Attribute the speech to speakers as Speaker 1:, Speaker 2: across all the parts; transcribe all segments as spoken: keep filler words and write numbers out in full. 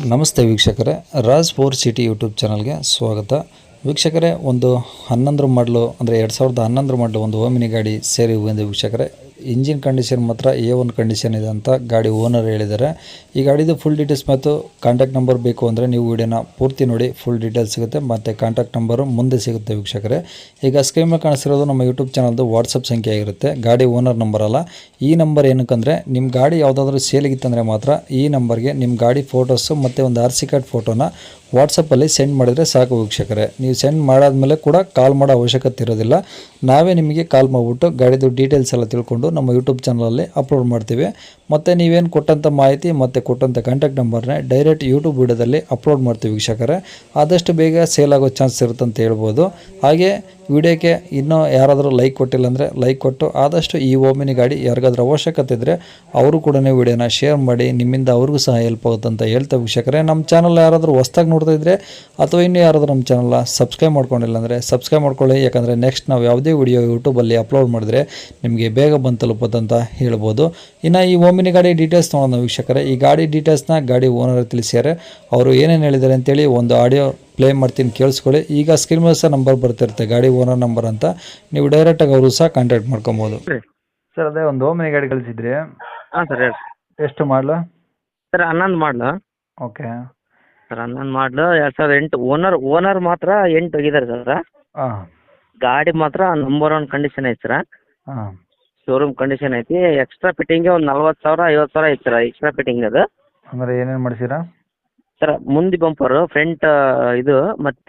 Speaker 1: ನಮಸ್ತೆ ವೀಕ್ಷಕರೇ, Raj four city YouTube ಚಾನಲ್ಗೆ ಸ್ವಾಗತ. ವೀಕ್ಷಕರೇ, ಒಂದು ಹನ್ನೊಂದರ ಮಾಡಲು ಅಂದರೆ ಎರಡು ಸಾವಿರದ ಹನ್ನೊಂದರ ಮಾಡಲು ಒಂದು ಓಮಿನಿ ಗಾಡಿ ಸೇರಿ ಬಂದಿದೆ ವೀಕ್ಷಕರೇ. ಇಂಜಿನ್ ಕಂಡೀಷನ್ ಮಾತ್ರ ಎ ಒನ್ ಕಂಡೀಷನ್ ಇದೆ ಅಂತ ಗಾಡಿ ಓನರ್ ಹೇಳಿದ್ದಾರೆ. ಈ ಗಾಡಿದು ಫುಲ್ ಡೀಟೇಲ್ಸ್ ಮತ್ತು ಕಾಂಟ್ಯಾಕ್ಟ್ ನಂಬರ್ ಬೇಕು ಅಂದರೆ ನೀವು ವಿಡಿಯೋನ ಪೂರ್ತಿ ನೋಡಿ, ಫುಲ್ ಡೀಟೇಲ್ಸ್ ಸಿಗುತ್ತೆ ಮತ್ತು ಕಾಂಟ್ಯಾಕ್ಟ್ ನಂಬರು ಮುಂದೆ ಸಿಗುತ್ತೆ ವೀಕ್ಷಕರೇ. ಈಗ ಸ್ಕ್ರೀನ್ ಮೇಲೆ ಕಾಣಿಸಿರೋದು ನಮ್ಮ ಯೂಟ್ಯೂಬ್ ಚಾನಲ್ದು ವಾಟ್ಸಪ್ ಸಂಖ್ಯೆ ಆಗಿರುತ್ತೆ, ಗಾಡಿ ಓನರ್ ನಂಬರ್ ಅಲ್ಲ. ಈ ನಂಬರ್ ಏನಕ್ಕಂದರೆ ನಿಮ್ಮ ಗಾಡಿ ಯಾವುದಾದ್ರೂ ಸೇಲಿಗಿತ್ತಂದರೆ ಮಾತ್ರ ಈ ನಂಬರ್ಗೆ ನಿಮ್ಮ ಗಾಡಿ ಫೋಟೋಸು ಮತ್ತು ಒಂದು ಆರ್ ಸಿ ಕಾರ್ಡ್ ಫೋಟೋನ ವಾಟ್ಸಪ್ಪಲ್ಲಿ ಸೆಂಡ್ ಮಾಡಿದರೆ ಸಾಕು ವೀಕ್ಷಕರೇ. ನೀವು ಸೆಂಡ್ ಮಾಡಾದ್ಮೇಲೆ ಕೂಡ ಕಾಲ್ ಮಾಡೋ ಅವಶ್ಯಕತೆ ಇರೋದಿಲ್ಲ. ನಾವೇ ನಿಮಗೆ ಕಾಲ್ ಮಾಡಿಬಿಟ್ಟು ಗಾಡಿದು ಡೀಟೇಲ್ಸ್ ಎಲ್ಲ ತಿಳ್ಕೊಂಡು ನಮ್ಮ ಯೂಟ್ಯೂಬ್ ಚಾನಲಲ್ಲಿ ಅಪ್ಲೋಡ್ ಮಾಡ್ತೀವಿ. ಮತ್ತು ನೀವೇನು ಕೊಟ್ಟಂಥ ಮಾಹಿತಿ ಮತ್ತು ಕೊಟ್ಟಂಥ ಕಾಂಟ್ಯಾಕ್ಟ್ ನಂಬರ್ನೇ ಡೈರೆಕ್ಟ್ ಯೂಟ್ಯೂಬ್ ವಿಡಿಯೋದಲ್ಲಿ ಅಪ್ಲೋಡ್ ಮಾಡ್ತೀವಿ ವೀಕ್ಷಕರೇ. ಆದಷ್ಟು ಬೇಗ ಸೇಲ್ ಆಗೋ ಚಾನ್ಸ್ ಇರುತ್ತೆ ಅಂತ ಹೇಳ್ಬೋದು. ಹಾಗೆ ವಿಡಿಯೋಕ್ಕೆ ಇನ್ನೂ ಯಾರಾದರೂ ಲೈಕ್ ಕೊಟ್ಟಿಲ್ಲ ಅಂದರೆ ಲೈಕ್ ಕೊಟ್ಟು ಆದಷ್ಟು ಈ ಓಮಿನಿ ಗಾಡಿ ಯಾರಿಗಾದ್ರೂ ಅವಶ್ಯಕತೆ ಇದ್ದರೆ ಅವರು ಕೂಡ ವಿಡಿಯೋನ ಶೇರ್ ಮಾಡಿ, ನಿಮ್ಮಿಂದ ಅವ್ರಿಗೂ ಸಹ ಹೆಲ್ಪ್ ಆಗುತ್ತೆ ಅಂತ ಹೇಳ್ತಾ ವೀಕ್ಷಕರೇ. ನಮ್ಮ ಚಾನಲ್ ಯಾರಾದರೂ ಹೊಸ್ದಾಗಿ ನೋಡ್ತಾ ಇದ್ದರೆ ಅಥವಾ ಇನ್ನೂ ಯಾರಾದರೂ ನಮ್ಮ ಚಾನಲ್ನ ಸಬ್ಸ್ಕ್ರೈಬ್ ಮಾಡ್ಕೊಂಡಿಲ್ಲ ಅಂದರೆ ಸಬ್ಸ್ಕ್ರೈಬ್ ಮಾಡ್ಕೊಳ್ಳಿ. ಯಾಕಂದರೆ ನೆಕ್ಸ್ಟ್ ನಾವು ಯಾವುದೇ ವಿಡಿಯೋ ಯೂಟ್ಯೂಬಲ್ಲಿ ಅಪ್ಲೋಡ್ ಮಾಡಿದ್ರೆ ನಿಮಗೆ ಬೇಗ ಬಂದು ತಲುಪುತ್ತಂತ ಹೇಳ್ಬೋದು. ಇನ್ನು ಈ ಓಮಿನಿ ಗಾಡಿ ಡೀಟೇಲ್ಸ್ ನೋಡೋಣ ವೀಕ್ಷಕರೇ. ಈ ಗಾಡಿ ಡೀಟೇಲ್ಸ್ನ ಗಾಡಿ ಓನರ್ ತಿಳಿಸ್ಯಾರೆ. ಅವರು ಏನೇನು ಹೇಳಿದ್ದಾರೆ ಅಂತೇಳಿ ಒಂದು ಆಡಿಯೋ ಪ್ಲೇ ಮಾಡ್ತೀನಿ, ಕೇಳಿಸ್ಕೊಳ್ಳಿ. ಈಗ ಸ್ಕ್ರೀನ್ ಮೇಲೆ ಸಹ ನಂಬರ್ ಬರ್ತಿರುತ್ತೆ, ಗಾಡಿ ಓನರ್ ನಂಬರ್ ಅಂತ. ನೀವು ಡೈರೆಕ್ಟಾಗಿ ಅವರು ಸಹ ಕಾಂಟ್ಯಾಕ್ಟ್ ಮಾಡ್ಕೊಬೋದು. ಸರ್, ಅದೇ ಒಂದು ಓಮಿನಿ ಗಾಡಿ ಕಳಿಸಿದ್ರಿ.
Speaker 2: ಹಾಂ ಸರ್, ಹೇಳಿ.
Speaker 1: ಎಷ್ಟು ಮಾಡಲು?
Speaker 2: ಸರ್ ಹನ್ನೊಂದು ಮಾಡಲು.
Speaker 1: ಓಕೆ
Speaker 2: ಸರ್ ಹನ್ನೊಂದು ಮಾಡಲು, ಎರಡು ಸಾವಿರದ ಎಂಟು. ಓನರ್ ಓನರ್ ಮಾತ್ರ ಎಂಟು ಆಗಿದ್ದಾರೆ ಸರ್.
Speaker 1: ಹಾಂ.
Speaker 2: ಗಾಡಿ ಮಾತ್ರ ನಂಬರ್ ಒನ್ ಕಂಡೀಷನ್ ಐತೆ ಸರ್.
Speaker 1: ಹಾಂ.
Speaker 2: ಶೋರೂಮ್ ಕಂಡೀಷನ್ ಐತಿ. ಎಕ್ಸ್ಟ್ರಾ ಫಿಟ್ಟಿಂಗ್ಗೆ ಒಂದು ನಲ್ವತ್ತು ಸಾವಿರ ಐವತ್ತು ಸಾವಿರ ಐತೆ ಸರ್ ಎಕ್ಸ್ಟ್ರಾ ಫಿಟ್ಟಿಂಗ್. ಅದು
Speaker 1: ಅಂದರೆ ಏನೇನು ಮಾಡಿಸಿರಾ
Speaker 2: ಸರ್? ಮುಂದೆ ಬಂಪರು, ಫ್ರಂಟ್ ಇದು, ಮತ್ತು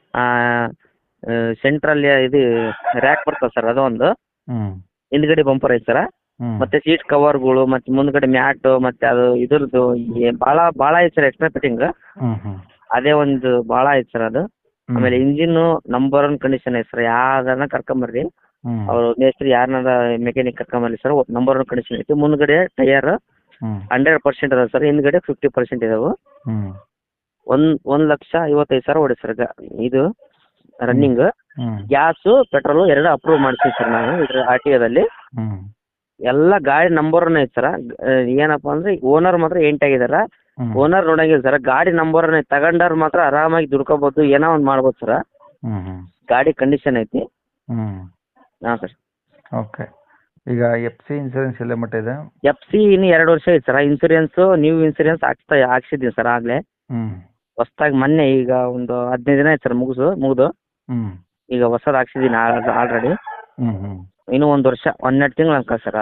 Speaker 2: ಸೆಂಟ್ರಲ್ಲಿ ಇದು ರ್ಯಾಕ್ ಬರ್ತದೆ ಸರ್, ಅದೊಂದು.
Speaker 1: ಹ್ಞೂ.
Speaker 2: ಹಿಂದ್ಗಡೆ ಬಂಪರ್ ಐತೆ ಸರ್. ಮತ್ತೆ ಸೀಟ್ ಕವರ್ಗಳು, ಮತ್ತೆ ಮುಂದ್ಗಡೆ ಮ್ಯಾಟು, ಮತ್ತೆ ಅದು ಇದ್ರದ್ದು ಭಾಳ ಭಾಳ ಐತೆ ಸರ್ ಎಕ್ಸ್ಟ್ರಾ ಫಿಟ್ಟಿಂಗ್. ಅದೇ ಒಂದು ಭಾಳ ಐತೆ ಸರ್ ಅದು. ಆಮೇಲೆ ಇಂಜಿನ್ನು ನಂಬರ್ ಒನ್ ಕಂಡೀಷನ್ ಐತೆ ಸರ್. ಯಾವ್ದಾರ ಕರ್ಕೊಂಬರ್ರಿ, ಅವರು ಮೇಸ್ತ್ರಿ ಯಾರನ್ನಾರ ಮೆಕ್ಯಾನಿಕ್ ಕರ್ಕೊಂಬರ್ಲಿ ಸರ್, ನಂಬರ್ ಒನ್ ಕಂಡೀಷನ್ ಐತಿ. ಮುಂದ್ಗಡೆ ಟೈರ್ ಹಂಡ್ರೆಡ್ ಪರ್ಸೆಂಟ್ ಅದಾವೆ ಸರ್, ಹಿಂದ್ಗಡೆ ಫಿಫ್ಟಿ ಪರ್ಸೆಂಟ್ ಇದಾವೆ. ಒಂದ್ ಒಂದ್ ಲಕ್ಷ ಐವತ್ತೈದು ಸಾವಿರ ಹೊಡಿ ಸರ್ ಇದು ರನ್ನಿಂಗ್. ಗ್ಯಾಸು ಪೆಟ್ರೋಲು ಎರಡು ಅಪ್ರೂವ್ ಮಾಡ್ತೀವಿ ಸರ್ ನಾವು ಇದ್ರ ಆರ್ ಟಿ ಒದಲ್ಲಿ. ಎಲ್ಲ ಗಾಡಿ ನಂಬರ್ ಒನ್ ಐತೆ ಸರ್. ಏನಪ್ಪ ಅಂದ್ರೆ ಓನರ್ ಮಾತ್ರ ಎಂಟಾಗಿದಾರ. ಓನರ್ ನೋಡಂಗಿಲ್ಲ ಸರ್, ಗಾಡಿ ನಂಬರ್ ಒನ್ ಐತೆ. ತಗೊಂಡವ್ರು ಮಾತ್ರ ಆರಾಮಾಗಿ ದುಡ್ಕೋಬಹುದು, ಏನೋ ಒಂದು ಮಾಡ್ಬೋದು ಸರ್. ಗಾಡಿ ಕಂಡೀಷನ್ ಐತಿ. ಹಾಂ ಸರ್.
Speaker 1: ಓಕೆ. ಈಗ ಎಫ್ ಸಿ ಇನ್ಸೂರೆನ್ಸ್ ಎಲ್ಲ ಮಟ್ಟ ಇದೆ?
Speaker 2: ಎಫ್ ಸಿ ಇನ್ನು ಎರಡು ವರ್ಷ ಐತೆ ಸರ್. ಇನ್ಸೂರೆನ್ಸು ನ್ಯೂ ಇನ್ಸೂರೆನ್ಸ್ ಹಾಕ್ಸ್ತಾ ಹಾಕ್ಸಿದ್ದೀವಿ ಸರ್ ಆಗಲೇ. ಹೊಸ್ದಾಗಿ ಮೊನ್ನೆ ಈಗ ಒಂದು ಹದಿನೈದು ದಿನ ಆಯ್ತು ಸರ್ ಮುಗಿಸು ಮುಗಿದು. ಈಗ ಹೊಸದು ಹಾಕ್ಸಿದ್ದೀನಿ ಆಲ್ರೆಡಿ. ಇನ್ನೂ ಒಂದು ವರ್ಷ ಹನ್ನೆರಡು ತಿಂಗಳು ಅನ್ಕ ಸರ್.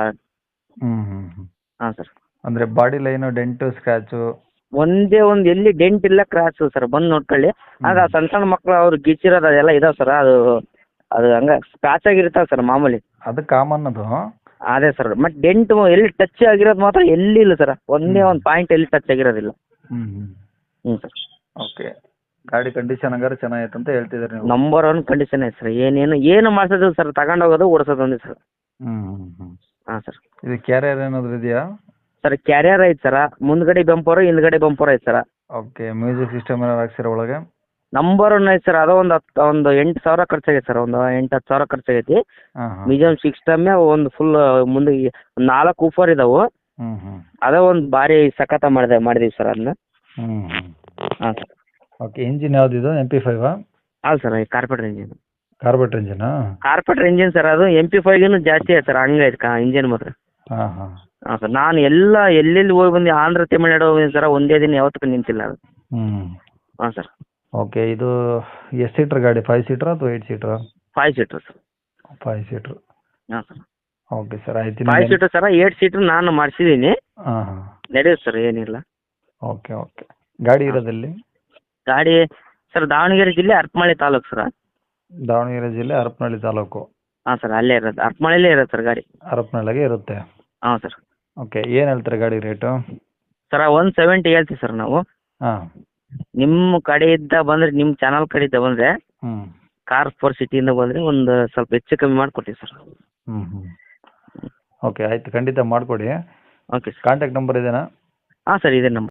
Speaker 2: ಹಾಂ ಸರ್.
Speaker 1: ಅಂದರೆ ಬಾಡಿ ಲೈನು, ಡೆಂಟು, ಸ್ಕ್ರ್ಯಾಚು
Speaker 2: ಒಂದೇ ಒಂದು ಎಲ್ಲಿ ಡೆಂಟ್ ಇಲ್ಲ, ಕ್ರಾಚು ಸರ್. ಬಂದು ನೋಡ್ಕೊಳ್ಳಿ. ಆಗ ಸಣ್ಣ ಸಣ್ಣ ಮಕ್ಕಳು ಅವ್ರು ಗಿಚ್ಚಿರೋದು ಅದೆಲ್ಲ ಇದಾವೆ ಸರ್. ಅದು ಅದು ಹಂಗೆ ಸ್ಕ್ರಾಚ್ ಆಗಿರ್ತಾವೆ ಸರ್ ಮಾಮೂಲಿ.
Speaker 1: ಅದು ಕಾಮನ್ ಅದು.
Speaker 2: ಅದೇ ಸರ್. ಮತ್ತೆ ಡೆಂಟ್ ಎಲ್ಲಿ ಟಚ್ ಆಗಿರೋದು ಮಾತ್ರ ಎಲ್ಲಿ ಇಲ್ಲ ಸರ್. ಒಂದೇ ಒಂದು ಪಾಯಿಂಟ್ ಎಲ್ಲಿ ಟಚ್ ಆಗಿರೋದಿಲ್ಲ.
Speaker 1: ಹ್ಞೂ
Speaker 2: ಹ್ಞೂ ಸರ್.
Speaker 1: ಓಕೆ. ಗಾಡಿ ಕಂಡೀಷನ್ ಹಂಗಾರೆ ಚೆನ್ನಾಗೈತೆ ಅಂತ ಹೇಳ್ತಿದ್ದಾರೆ ನೀವು?
Speaker 2: ನಂಬರ್ ಒನ್ ಕಂಡೀಷನ್ ಐತೆ ಸರ್. ಏನೇನು ಏನು ಮಾಡ್ಸೋದಿಲ್ಲ ಸರ್, ತಗೊಂಡೋಗೋದು ಓಡಿಸೋದು ಒಂದೇ ಸರ್.
Speaker 1: ಹ್ಞೂ ಹ್ಞೂ ಹ್ಞೂ
Speaker 2: ಹಾಂ ಸರ್.
Speaker 1: ಇದು ಕ್ಯಾರಿಯರ್ ಏನಾದರೂ ಇದೆಯಾ
Speaker 2: ಸರ್? ಕ್ಯಾರಿಯರ್ ಐತೆ ಸರ, ಮುಂದ್ಗಡೆ ಬಂಪರು ಹಿಂದ್ಗಡೆ ಬಂಪರ್ ಐತೆ ಸರ.
Speaker 1: ಓಕೆ. ಮ್ಯೂಸಿಕ್ ಸಿಸ್ಟಮ್ ಏನಾರು ಹಾಕ್ಸಿರೋ ಒಳಗೆ?
Speaker 2: ನಂಬರ್ ಒನ್ ಐತೆ ಸರ್. ಅದು ಒಂದು ಹತ್ತು ಒಂದು ಎಂಟು ಸಾವಿರ ಖರ್ಚಾಗೈತೆ ಸರ್. ಒಂದು ಎಂಟು ಹತ್ತು ಸಾವಿರ ಖರ್ಚಾಗೈತಿ. ಮ್ಯೂಸಿಯಂ ಸಿಸ್ಟಮ್ಮೇ ಒಂದು ಫುಲ್ ಮುಂದೆ ನಾಲ್ಕು ಊಫರ್ ಇದಾವೆ.
Speaker 1: ಹ್ಞೂ ಹ್ಞೂ
Speaker 2: ಅದೇ ಒಂದು ಭಾರಿ ಸಖತ ಮಾಡಿದೆ ಮಾಡಿದೀವಿ ಸರ್ ಅದನ್ನ.
Speaker 1: ಹ್ಞೂ ಹ್ಞೂ
Speaker 2: ಹಾಂ ಸರ್.
Speaker 1: ಓಕೆ. ಇಂಜಿನ್ ಯಾವುದಿದು? ಎಮ್ ಪಿ ಫೈವಾ?
Speaker 2: ಹೌದು ಸರ್, ಕಾರ್ಪೆಟ್ರ್ ಇಂಜಿನ್.
Speaker 1: ಕಾರ್ಬೆಟ್ರ್ ಇಂಜಿನಾ?
Speaker 2: Carburettor engine sir. ಅದು ಎಮ್ ಪಿ ಫೈವ್ಗಿನ್ನೂ ಜಾಸ್ತಿ ಐತೆ ಸರ್, ಹಂಗೈತೆ ಕಾ ಇಂಜಿನ್ ಮಾತ್ರ.
Speaker 1: ಹಾಂ ಹಾಂ
Speaker 2: ಹಾಂ ಸರ್. ನಾನು ಎಲ್ಲ ಎಲ್ಲೆಲ್ಲಿ ಹೋಗಿ ಬಂದು ಆಂಧ್ರ ತಮಿಳ್ನಾಡು ಹೋಗಿದ್ದೀನಿ ಸರ್, ಒಂದೇ ದಿನ ಯಾವತ್ತೂ ನಿಂತಿಲ್ಲ ಅದು.
Speaker 1: ಹ್ಞೂ.
Speaker 2: ಹಾಂ ಸರ್.
Speaker 1: ಓಕೆ. ಇದು ಎಷ್ಟು ಸೀಟ್ರ್ ಗಾಡಿ? ಫೈವ್ ಸೀಟ್ರಾ ಅಥವಾ ಏಯ್ಟ್ ಸೀಟ್ರಾ?
Speaker 2: Five seater sir.
Speaker 1: Five seater.
Speaker 2: ಹಾಂ ಸರ್.
Speaker 1: ಓಕೆ ಸರ್, ಆಯ್ತು.
Speaker 2: Five seater sir. Eight seater ನಾನು ಮಾಡಿಸಿದ್ದೀನಿ.
Speaker 1: ಹಾಂ ಹಾಂ
Speaker 2: ನಡೆಯುತ್ತೆ ಸರ್, ಏನಿಲ್ಲ.
Speaker 1: Okay okay. ಗಾಡಿ ಇರೋದಲ್ಲಿ?
Speaker 2: ಗಾಡಿ ಸರ್ ದಾವಣಗೆರೆ ಜಿಲ್ಲೆ ಹರಪನಹಳ್ಳಿ ತಾಲೂಕು ಸರ್.
Speaker 1: ದಾವಣಗೆರೆ ಜಿಲ್ಲೆ ಹರಪನಹಳ್ಳಿ ತಾಲೂಕು.
Speaker 2: ಹಾಂ ಸರ್, ಅಲ್ಲೇ ಇರೋದು, ಹರಪನಹಳ್ಳಿಲೇ ಇರೋದು ಸರ್ ಗಾಡಿ.
Speaker 1: ಹರಪನಹಳ್ಳಿಗೆ ಇರುತ್ತೆ.
Speaker 2: ಹಾಂ ಸರ್.
Speaker 1: ಓಕೆ. ಏನು ಹೇಳ್ತಾರೆ ಗಾಡಿ ರೇಟು?
Speaker 2: ಸರ್ ಒನ್ ಸೆವೆಂಟಿ ಹೇಳ್ತೀವಿ ಸರ್ ನಾವು.
Speaker 1: ಹಾಂ.
Speaker 2: ನಿಮ್ಮ ಕಡೆಯಿಂದ ಬಂದರೆ, ನಿಮ್ಮ ಚಾನಲ್ ಕಡೆಯಿಂದ ಬಂದರೆ,
Speaker 1: ಹ್ಞೂ
Speaker 2: ಕಾರ್ ಫೋರ್ ಸಿಟಿಯಿಂದ ಬಂದರೆ ಒಂದು ಸ್ವಲ್ಪ ಹೆಚ್ಚು ಕಮ್ಮಿ ಮಾಡಿಕೊಡ್ತೀವಿ ಸರ್.
Speaker 1: ಹ್ಞೂ ಹ್ಞೂ ಓಕೆ. ಆಯಿತು, ಖಂಡಿತ ಮಾಡಿಕೊಡಿ.
Speaker 2: Okay sir.
Speaker 1: ಕಾಂಟ್ಯಾಕ್ಟ್ ನಂಬರ್ ಇದೆಯಾ?
Speaker 2: ಹಾಂ ಸರ್, ಇದೆ ನಂಬರ್.